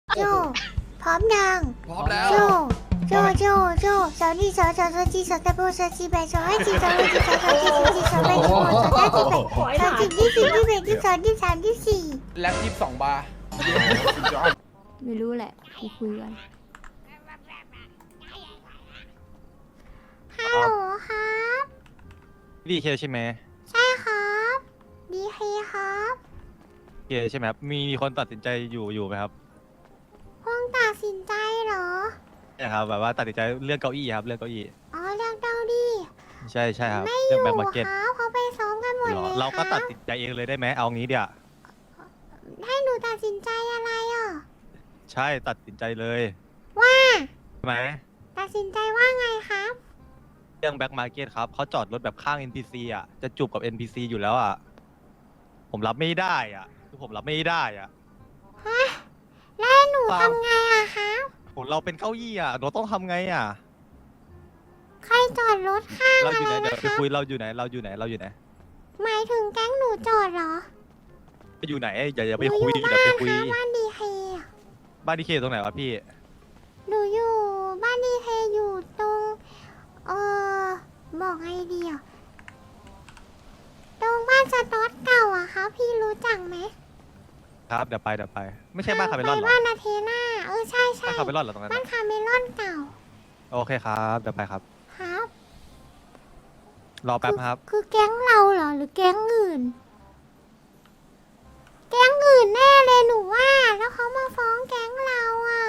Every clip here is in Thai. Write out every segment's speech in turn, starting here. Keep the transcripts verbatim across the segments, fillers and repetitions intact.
โจพร้อมยังพร้อมแล้วโจโจโจโจสาวนี่สาวสาวสาวจีสาวตะโบสาวจีแบสาวให้จีสาวให้จีสาวสาวจีสาวจีสาวแบสาวสาวจีแบสาวจีที่สี่ที่แบที่สองที่สามที่สี่แล็บยี่สิบสองบาร์ไม่รู้แหละกูคุยกันฮัลโหลครับดีเคใช่ไหมใช่ครับดีเคครับเคใช่ไหมครับมีมีคนตัดสินใจอยู่อยู่ไหมครับคงตัดสินใจเหรอใช่ครับแบบว่าตัดสินใจเรื่องเก้าอี้ครับเรื่องเก้าอี้อ๋อเรื่องเต้าดิใช่ใช่ครับไม่อเรื่องยู่แบ็คคมาร์เก็ตรับเขาไปซ้อมกันหมดหรเลอย เราคก็รัตัดบสินใจเองเลยได้ไหมเอางี้เดี๋ยวให้หนูตัดสินใจอะไรอ่ะใช่ตัดสินใจเลยว่าใช่ไหมตัดสินใจว่าไงครับเรื่องแบ็คมาร์เก็ตครับเขาจอดรถแบบข้าง เอ็น พี ซี อ่ะจะจูบกับ เอ็น พี ซี อยู่แล้วอ่ะผมรับไม่ได้อ่ะคือผมรับไม่ได้อ่ะฮะ แล้วให้หนูเปล่าทำไงอะครับผมเราเป็นเก้าอี้อ่ะเราต้องทำไงอ่ะใครจอดรถข้างเราอะอยู่ไรไหนเดี๋ยนะวคไปรับคุยเราอยู่ไหนเราอยู่ไหนเราอยู่ไหนหมายถึงแก๊งหนูจอดเหรออยู่ไหนอย่าอย่าหไปนูอคุยยู่อย่าบ้านไปคุยครับบ้านดีเคอะบ้านที่เคตรงไหนวะพี่หนูอยู่บ้านดีเคอยู่ตรงเออบอกไงดีอ่ะตรงบ้านสต๊อตเก่าอะครับพี่รู้จักไหมครับเดี๋ยวไปเดี๋ยวไป ไม่ใช่บ้านคาเมลอนเหรไปอบ้านอาเทนาเออใช่ใช่บ้านคาเมลอนเหรอตรงนั้นบ้านอะคาเมลอนเก่าโอเคครับเดี๋ยวไปครับครับรอแป๊บนะครับคือแก๊งเราเหรอหรือแก๊งอื่น แก๊งอื่นแน่เลยหนูว่า แล้วเขามาฟ้องแก๊งเราอ่ะ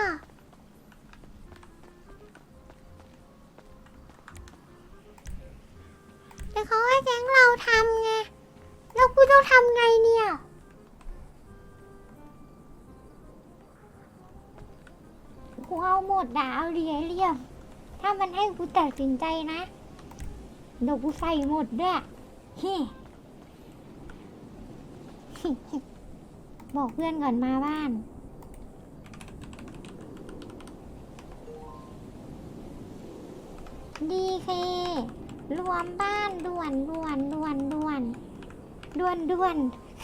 แต่เขาให้แก๊งเราทำไง แล้วกูต้องทำไงเนี่ย กูเอาหมดด่าเอาเรียเรียมถ้ามันให้กูตัดสินใจนะเดี๋ยวกูใส่หมดด้วยเฮ้ บอกเพื่อนก่อนมาบ้าน ดีเค รวมบ้านด่วนด่วนด่วนด่วนด่วนด่วน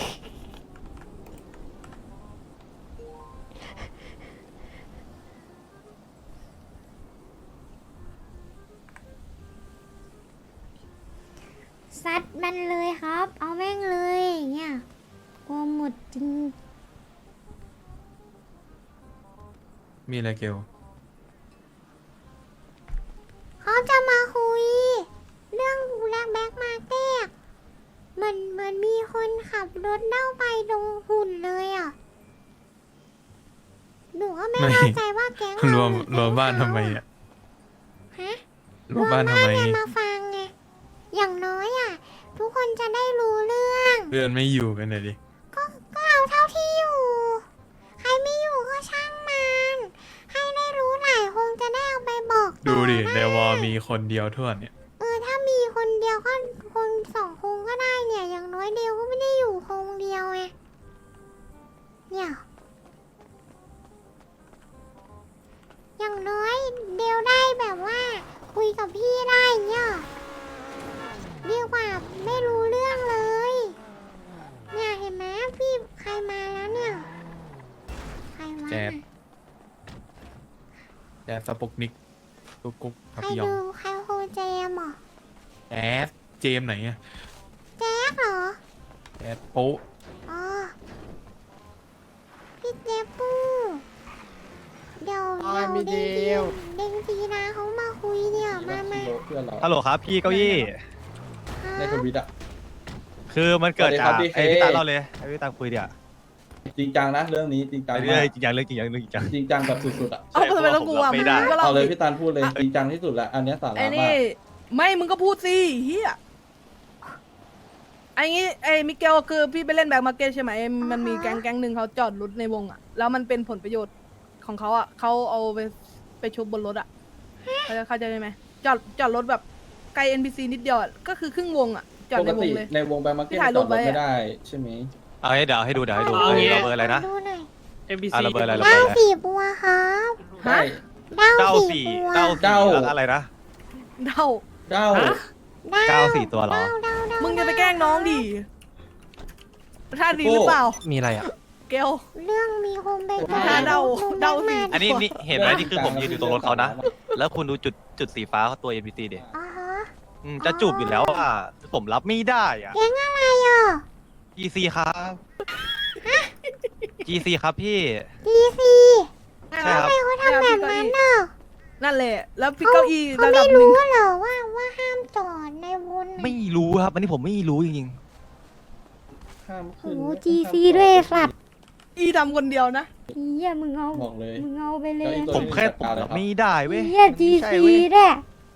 ซัดมันเลยครับ เอาแม่งเลยเนี่ยกลัวหมดจริงมีอะไรเกลเขาจะมาคุย เรื่องแลกแบ็กมาเต้เหมือนเหมือนมีคนขับรถเล่าไปตรงหุ่นเลยอ่ะ หนูก็ไม่เข้าใจว่าแก๊งรเราวมหอรวมบ้านแก๊ทำงไมเขาอ่ะฮะรวมบ้านทำไมไงมาฟังไง อย่างน้อยอ่ะ ทุกคนจะได้รู้เรื่องเพื่อนไม่อยู่กันเลยดิก็ก็เอาเท่าที่อยู่ ใครไม่อยู่ก็ช่างมัน ให้ได้รู้หลายคงจะได้เอาไปบอกต่อดูดิไในวอมีคนเดียวทั่วเนี่ยเออถ้ามีคนเดียวก็คนสองคงก็ได้เนี่ย อย่างน้อยเดียวก็ไม่ได้อยู่คงเดียวไงเนี่ยอย่างน้อยเดียวได้แบบว่า คุยกับพี่ได้เนี่ยดีกว่าไม่รู้เรื่องเลย เนี่ยเห็นไหมพี่ใครมาแล้วเนี่ยใครวะแจ๊ด แจ๊สสปุกนิกกุ๊กกุ๊กใคพัรพยองดูใครโฮเจมเหรอแจ๊สเจมส์ไหนอ่ะแจ๊กเหรอแจ๊สโป๊ะอ๋อ พี่เจปูเดี๋ยวอ๋อเดี๋ยวมีเด้งเดีทียวเด้งทีนะเขามาคุยเนี่ย มามาเพื่อนเราฮัลโหลครับพี่เก้าอี้ในทวิตอ่ะคือมันเกิดสวัสดีคจารักบพี่ไอ้เคพี่ตาเล่าเลยไอ้พี่ตาคุยเดี๋ยวจริงจังนะเรื่องนี้จริงจังไปมาเรื่อยกๆจริงจังเรื่องจริงจังเรื่องจริงจังจริงจังแบบสุดๆอ่ะเอาทำไมต้องกลัวไม่มึงได้ก็เล่าเอาเลยดิพี่ตาลพูดเลยจริงจังที่สุดละอันเนี้ยสาระไอ้มานี่กไม่มึงก็พูดสิเฮียไอ้งี้ไอ้มิเกลคือพี่ไปเล่นแบ็คมาร์เก็ตใช่ไหมมันมีแก๊งแก๊งหนึ่งเขาจอดรถในวงอ่ะแล้วมันเป็นผลประโยชน์ของเขาอ่ะเขาเอาไปไปชุบบนรถอ่ะเขาจะเข้าใจไหมจอดจอดรถแบบไกล เอ็น พี ซี นิดเดียวอะก็คือครึ่งวงอ่ะจอดปในกวงติเลยในวงแบงค์มาร์เก็ตที่ถ่ายจรูอปดรไว้ถอะไม่ได้ใช่ไหมเอาให้เดี๋ยวให้ดูเดี๋ยวให้ดูเอาไอ้งี้เราเบอร์อะไรนะดูหน่อยอ่ะเราเบอร์อะไรเราเบอเก้าร์อะไรสี่บัวครับใช่เก้าเก้าสี่สี่บัวเก้าเก้าสี่แล้วอะไรนะเดาเก้าเก้าสี่ตัวเหรอเก้าเก้าเก้ามึงจะไปแกล้งน้องดิท่าดีหรือเปล่ามีอะไรอ่ะพเกลเรื่องมีโฮมเบเกอหาร์เดาเดาสิอันนี้นี่เห็นไหมนี่คือผมยืนอยู่ตรงรถเขานะ แล้วคุณดูจุดจุดสีฟ้าเขาตัว เอ็น พี ซี เด็อ่าฮะจะจูบอยู่แล้วอ่ะผมรับไม่ได้อ่ะแก๊งอะไรอ่ะจี ซี ครับ จี ซี ครับพี่ดีซีใช่ครับทำไมเขาทำแบบนั้นน่ะนั่นแหละ แล้วพี่เก้าอี้เขาระดัไม่บหนึ่รู้งเหรอว่าว่าห้ามจอดในวนน่ะไม่รู้ครับ อันนี้ผมไม่รู้จริงห้ามโอ้ขึ้นโหห้ามจีซีจอด้วยสัตว์อีทำคนเดียวนะเฮียมึงเอาบอกเลยมึงเอาไปเลยเก้าอี้ๆตัวผมแค่ผมรับไม่ได้เว้ยเฮียจีใช่ซีเว้ยด้วย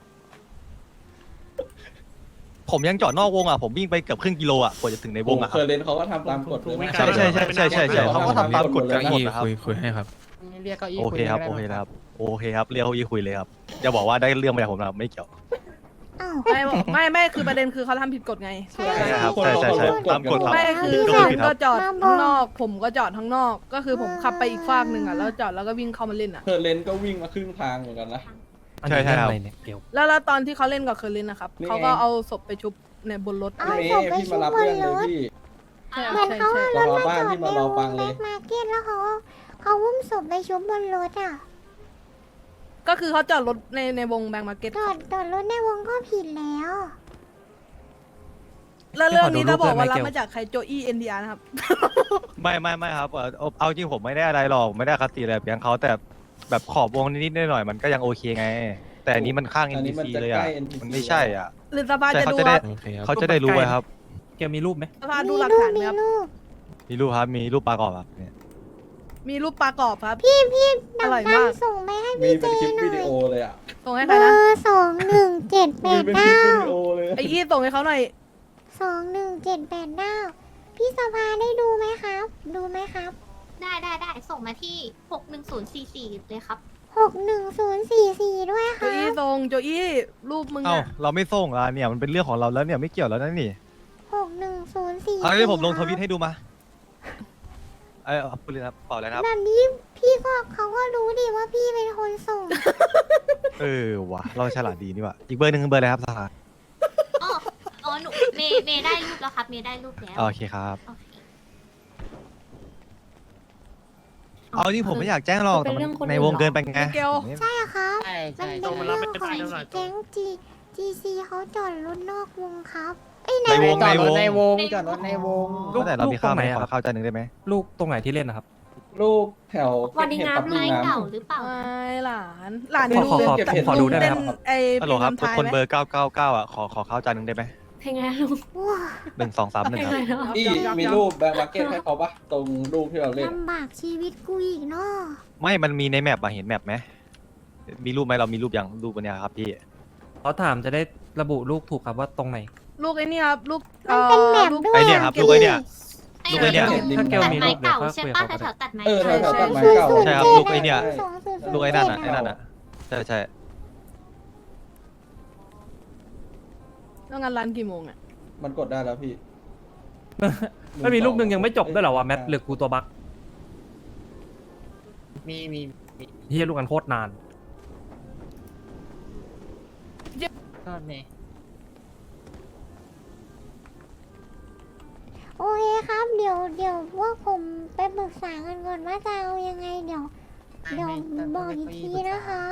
ผมยังจอดนอกวงอ่ะ ผมวิ่งไปเกือบครึ่งกิโลอ่ะกว่าจะถึงในวงอ่ะคเครับ อร์เรนเขาก็ทำตามกฎเลยนะใช่ใช่ใช่ใช่ใช่ใช่เขาก็ทำตามกฎกันเก้าหมดอี้นะครับคุยคุยให้ครับเรียกเก้าอี้โอเคครับยโอได้เคไหมครับ โอเคครับ เรียกเขาอีคุยเลยครับ อย่าบอกว่าได้เรื่องมาจากผมนะครับไม่เกี่ยวอ้าวไม่บอกไม่ไม่คือประเด็นคือเขาทำผิดกฎไงใช่ใช่ครับใช่ใช่ใช่ตามกฎครับไม่คือก็คุผิณดคก็รับจอดข้างนอก ผมก็จอดข้างนอก ก็คือผมขับไปอีกฟากหนึ่งอ่ะแล้วจอดแล้วก็วิ่งเข้ามาเล่นอ่ะเคอร์เรนก็วิ่งมาครึ่งทางเหมือนกันนะใช่ใช่ครับแล้วแล้วตอนที่เขาเล่นกับเคอร์ลินนะครับนี่ไงเขาก็เอาศพไปชุบในบนรถเอาอะไรเมศพย์ไปพี่ชุมาบรับบนเรื่องเลยรถพี่ใช่เหมือนใช่เขาใช่เอารถรอมาบ้านจอดพี่ในมารอวฟังงเลเล็ยกมาร์เก็ตแล้วเขาเขาอุ้มศพไปชุบบนรถอ่ะก็คือเขาจอดรถในในวงแบงก์มาร์เก็ตจอดจอดรถในวงก็ผิดแล้วแล้วเรื่องนี้ขอดูเราบอกว่ารูปได้ไหมรับมาจากใครโจอี้เอ็นดีอาร์นะครับไม่ไม่ไม่ครับเอ่อเอาเอาจริงผมไม่ได้อะไรหรอกไม่ได้คติอะไรแบบอย่างเขาแต่แบบขอบวงนิดๆหน่อยๆมันก็ยังโอเคไง แต่อันนี้มันข้างอันนี้มันเอ็น พี ซีจะเลยใกอ่ะล้ เอ็น พี ซีมันไม่ใช่อ่ะหรือสภาใช่จะเขาดูจะได้ว่าโอเคครับเขาจะได้รู้ไว้ครับเกลมีรูปไหมสภาดูมีหลักรูปฐานไหมมีครับรูปมีรูปครับมีรูปปลากรอบครับเนี่ยมีรูปปลากรอบครับพี่พี่อดับร่อยดัมาน กส่งไปให้มีพี่เจเป็นคลิปหน่วิอดียโอเลยอ่ะส่งให้เบใครอนะร์สองหนึ่งเจ็ดแปมีดเป็นคลิปเก้าวิดีโอเลยไอ้อี้ส่งให้เขาหน่อยสองหนึ่งเจ็ดแปดเก้าพี่สภาได้ดูไหมครับ ดูไหมครับได้ได้ได้ส่งมาที่หกหนึ่งศูนย์สี่สี่เลยครับหกหนึ่งศูนย์สี่สี่ด้วยคโจรัอี้บส่งโจอี้รูปมึงเอ้าอะเราไม่ส่งอ่ะเนี่ยมันเป็นเรื่องของเราแล้วเนี่ยไม่เกี่ยวแล้วนะนี่หกหนึ่งศูนย์สี่เอาเดี๋ยวผมลงทวิตให้ดูมาเอ้ยเอาพูดเลยครับเปล่าแล้วนะครับแบบนี้พี่ก็เขาก็รู้ดิว่าพี่เป็นคนส่งเออว่ะเราฉลาดดีนี่ว่ะอีกเบอร์หนึ่งเบอร์อะไรครับสหายอ๋ออ๋อหนูเมย์เมย์ได้รูปแล้วครับ เมย์ได้รูปแล้วโอเคครับโอเคเอาจริงผมไม่อยากแจ้งหรอกแต่มันในวงเกินไปไงเกลใช่ครับใช่มัใช่นเป็นเรื่องของแก๊งจีจีซีเขาจอดรถนอกวงครับไอ้ยในในวงจอในดรวถงในวงจอดรถในวงลูกแต่เรามีข้าวไหมลูกตรงไหนอะขอข้าวจานหนึ่งได้ไหมลูกตรงไหนที่เล่นนะครับลูกแถววันดีเห็ดงากัมบไม้ลิงน้ำเก่าหรือเปล่าไม่หลานหลานขอขอขอเก็บเห็ดขอดูได้ไหมเป็นครับไอ้ฮัลโหลครับเพลงนำคนทายเบไหมอร์เก้าเก้าเก้าอ่ะขอขอข้าวจานหนึ่งได้ไหมเพลงไงลูกว้าหนึ่งสองสามหนึ่งครับอีมีรูปแบงค์มาร์เก็ตให้เขาปะตรงรูปที่เราเล่นลำบากชีวิตกูอีกเนาะไม่มันมีในแมปอะเห็นแมปไหมมีรูปไหมเรามีรูปยังรูปวันเนี้ยครับพี่เขาถามจะได้ระบุลูกถูกครับว่าตรงไหนลูกไอ้นี่ครับลูกมันเป็นแมปลูกด้วยไอเนี่ยครับลูกไอเนี่ยไอ้ลูกไอ้เนี่ยถ้าเกลตัดมีไม้รูปเดี๋ยวเก่าค่อยใช่คุยกับปะเขาก็แถได้วๆตัดไม้เออแถวเก่าๆตัดไม้ศูนย์เก่าศูนย์ใช่ครับเจ็ดลูกไอ้เนี่ยสองศูนย์ศูนย์ลูกไอ้นั่นอะเจ็ไอ้ดนั่นอะใช่ใช่แล้วงานร้านกี่โมงอ่ะมันกดได้แล้วพี่ไม่มีลูกหนึ่งยังไม่จบด้วยเหรอวะแมทหรือกูตัวบั๊กมีมีเฮียลูกกันโคตรนานก็เนี่ยโอเคครับ เดี๋ยวเดี๋ยวพวกผมไปปรึกษากันก่อนว่าจะเอายังไงเดี๋ยว เดี๋ยวบอกอีกทีนะครับ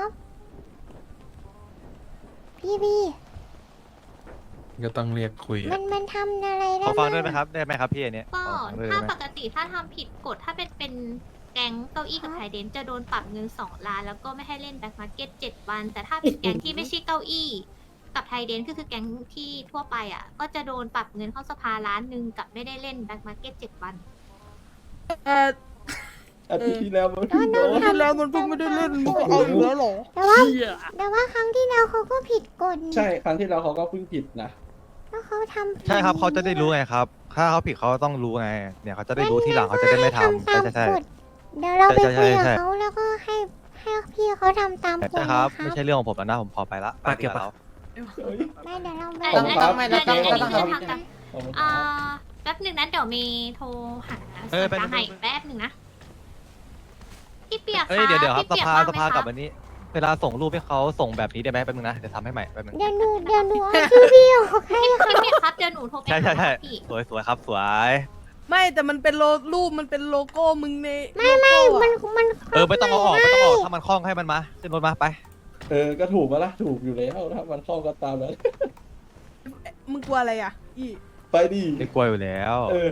พี่พี่ก็ต้องเรียกคุยมัอะนมันทำอะไรได้ขอฟังด้วยไหมบ้างครับได้ไหมครับพี่อันเนี้ยก็ขอฟังด้วยถ้าได้ไหมปกติถ้าทำผิดกฎถ้าเป็นเป็นแก๊งเก้าอี้กับไทยเดนจะโดนปรับเงินสองล้านแล้วก็ไม่ให้เล่นแบ็คมาร์เก็ตเจ็ดวัน แต่ถ้าเป็นแก๊งที่ไม่ใช่เก้าอี้กับไทยเดนก็คือแก๊งที่ทั่วไปอ่ะ ก็จะโดนปรับเงินเข้าสภาล้านหนึ่งกับไม่ได้เล่นแบ็คมาร์เก็ตเจ็ดวันเอออาทิตย์ที่แล้วมันเออน้องโดนทำแล้วมันเพิ่งไม่ได้เล่นมึงก็เอาอีกแล้วเหรอแต่ว่าแต่ว่าครั้งที่แล้วเขาก็ผิดกฎนี่ใช่ครั้งที่แล้วเขาก็เพิ่งผิดนะแล้วเขาทำผิดใช่ครับเขาจะได้รู้ไงครับ ถ้าเขาผิดเขาต้องรู้ไง เนี่ยเขาจะได้รู้ทีหลังเขาจะได้ไม่ทำตาใช่มใช่ใช่กฎเดี๋ยวเราไปใช่ใช่คุยกับใช่เขาแล้วก็ให้ให้พี่เขาทำตามกฎใช่นะคครัรับบ ไม่ใช่เรื่องของผมแล้วนะผมพอไปละปากเก็บปะแล้วไม่เดี๋ยวเราไปอันขอบนี้คุณครับอันนี้อันนี้ขอบคือคุณครับทำตามขอบคุณคอ่ารับแป๊บหนึ่งนะเดี๋ยวมีโทรหาเออส่วนไปกลางให้แป๊บหนึ่งนะพี่เปียกเอ้ยเดี๋ยวเดี๋ยวครับพี่สปีกภาว่งสไหมภาคะกับอันนี้ เวลาส่งรูปให้เขาส่งแบบนี้ได้ไหมแป๊บนึงนะเดี๋ยวทำให้ใหม่แป๊บนึงเดี๋ยวหนูเดี๋ยวหนูเอาชื่อพี่ออกให้ค่ะพี่เปียกครับเดี๋ยวหนูโทรไปใช่ใช่หาใช่พี่สวยสวยครับสวยโไม่แต่มันเป็นโลรูปมันเป็นโลโก้มึงในไม่ไม่โลโก้อะมันมันเออไม่ต้องเอาออกไม่ต้องเอาออกถ้ามันคล้องให้มันมาขึ้นรถมาไปเออก็ถูกปะล่ะถูกอยู่แล้วถ้ามันเข้าก็ตามนั้นมึงกลัวอะไรอ่ะอีไปดิไม่กลัวอยู่แล้วเออ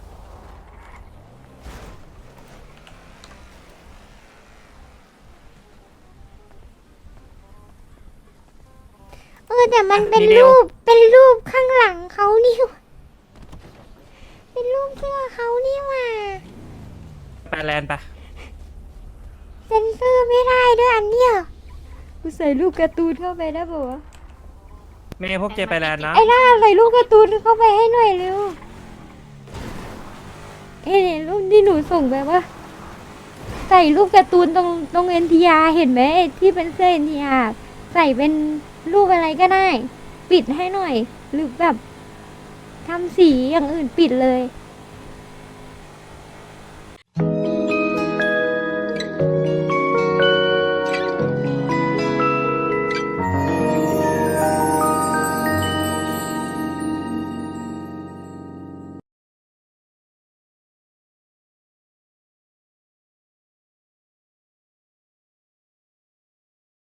เออแต่มันเป็นมีเดียวรูปเป็นรูปข้างหลังเขานี่หว่าเป็นรูปเสื้อเขานี่หว่าไปแลนด์ไปเซ็นเซอร์ไม่ได้ด้วยอันเนี้ยกูใส่รูปการ์ตูนเข้าไปได้ปะวะเมย์พวกเจไปแลนด์นะไอ้ล่าใส่รูปการ์ตูนเข้าไปให้หน่อยเร็วเอ้ยรูปที่หนูส่งไปว่าใส่รูปการ์ตูนตรงตรงเอ็นทีอาร์เห็นไหมที่เป็นเสื้อเอ็นทีอาร์ใส่เป็นรูปอะไรก็ได้ ปิดให้หน่อย หรือแบบทำสีอย่างอื่นปิดเลย